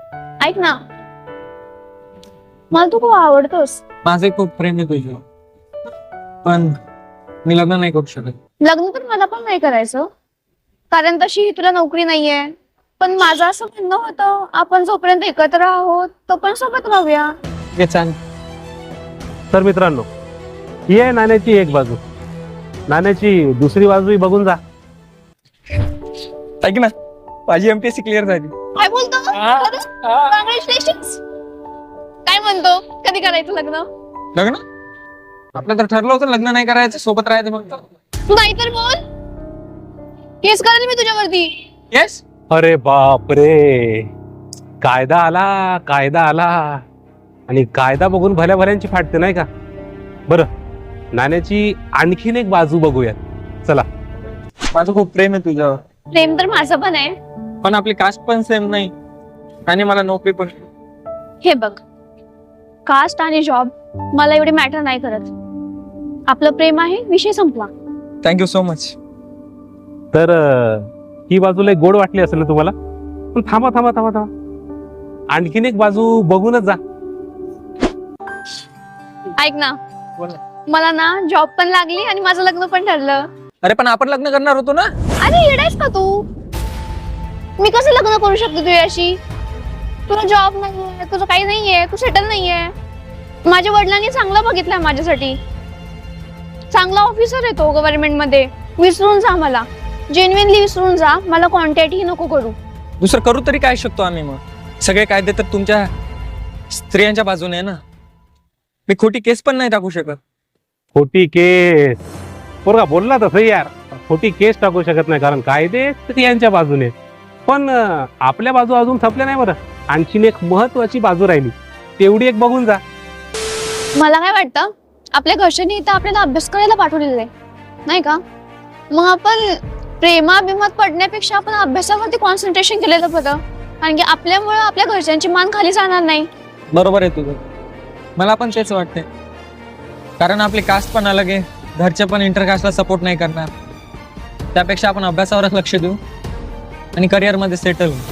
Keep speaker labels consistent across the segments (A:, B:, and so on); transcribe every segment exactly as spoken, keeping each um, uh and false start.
A: ऐक ना, मला तू खूप आवडतोस.
B: माझे खूप प्रेम आहे तुझ्यावर, पण मी लग्न नाही करू शकत.
A: लग्न तर मला पण नाही करायचं, कारण तशी तुला नोकरी नाहीये. पण माझं असं म्हणणं होतं, आपण जोपर्यंत एकत्र आहोत तो पण सोबत राहूया.
B: हे चांग
C: तर मित्रांनो, ही आहे नाण्याची एक बाजू. नाण्याची दुसरी बाजूही बघून जा.
B: ऐक ना, माझी एमपीएससी क्लिअर झाली.
A: काय बोलतो? कॉंग्रॅच्युलेशन्स. काय म्हणतो, कधी करायचं लग्न?
B: लग्न आपलं तर ठरलं होतं लग्न नाही करायचं, सोबत राहायचं. फक्त
A: तू नाहीतर बोल, केस करेल मी तुझ्यावरती.
B: येस.
C: अरे बाप रे, कायदा आला, कायदा आला. आणि कायदा बघून भल्या भल्यांची फाटते नाही का. बरं, नाण्याची आणखीन एक बाजू बघूयात. चला.
B: माझं खूप प्रेम आहे तुझ्यावर,
A: प्रेम तर माझं पण आहे.
B: पण आपली कास्ट पण सेम नाही आणि मला नोकरी पण.
A: हे बघ, कास्ट आणि जॉब मला एवढे मॅटर नाही करत. आपलं प्रेम आहे, विषय संपला.
B: Thank you so much.
C: तर अं, ही बाजूला एक गोड वाटली असेल ना तुम्हाला. पण थांबा थांबा थांबा थांबा, आणखीन एक बाजू बघूनच जा.
A: ऐक ना,
B: बोल.
A: मला ना जॉब पण लागली आणि माझं लग्न पण ठरलं.
B: अरे पण आपण लग्न करणार होतो ना.
A: अरे येडायस का तू? मी कसं लग्न करू शकते तुझ्याशी? तुला जॉब नाहीये, तुझं काही नाहीये, तू सेटल नाहीये. माझ्या वडिलांनी चांगलं बघितलंय माझ्यासाठी. चांगला ऑफिसर आहे तो गव्हर्नमेंट मध्ये. विसरून जा मला, जेन्युइनली विसरून जा. मला कॉन्टॅक्ट ही नको करू.
B: दुसरं करू तरी काय शकतो आम्ही मग? सगळे कायदे तर तुमच्या स्त्रियांच्या बाजूने आहे ना. मी खोटी केस पण नाही टाकू शकत.
C: खोटी केस? पोरगा बोलला तसं यार, खोटी केस टाकू शकत नाही कारण कायदे स्त्रियांच्या बाजूने. पण अं, आपल्या बाजू अजून संपल्या नाही. बरं, आणखीन एक महत्वाची बाजू राहिली, तेवढी एक बघून जा.
A: मला काय वाटतं, आपल्या घरच्यांनी इथं आपल्याला अभ्यास करायला पाठवलेलं आहे नाही का. मग आपण प्रेमाभिमात पडण्यापेक्षा आपण अभ्यासावरती कॉन्सन्ट्रेशन केलेलं बरं. कारण की आपल्यामुळे आपल्या घरच्यांची मान खाली जाणार नाही.
B: बरोबर आहे तुझं, मला पण तेच वाटते. कारण आपली कास्ट पण अलग आहे, घरचे पण इंटरकास्टला सपोर्ट नाही करणार. त्यापेक्षा आपण अभ्यासावरच लक्ष देऊ आणि करिअर मध्ये सेटल होऊ.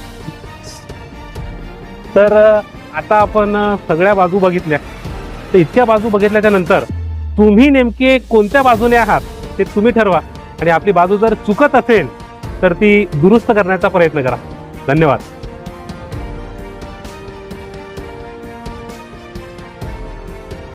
C: तर अं, आता आपण अं, सगळ्या बाजू बघितल्या. तर इतक्या बाजू बघितल्याच्या नंतर तुम्ही नेमके कोणत्या बाजूने आहात ते तुम्ही ठरवा. आणि आपली बाजू जर चुकत असेल तर ती दुरुस्त करण्याचा प्रयत्न करा. धन्यवाद.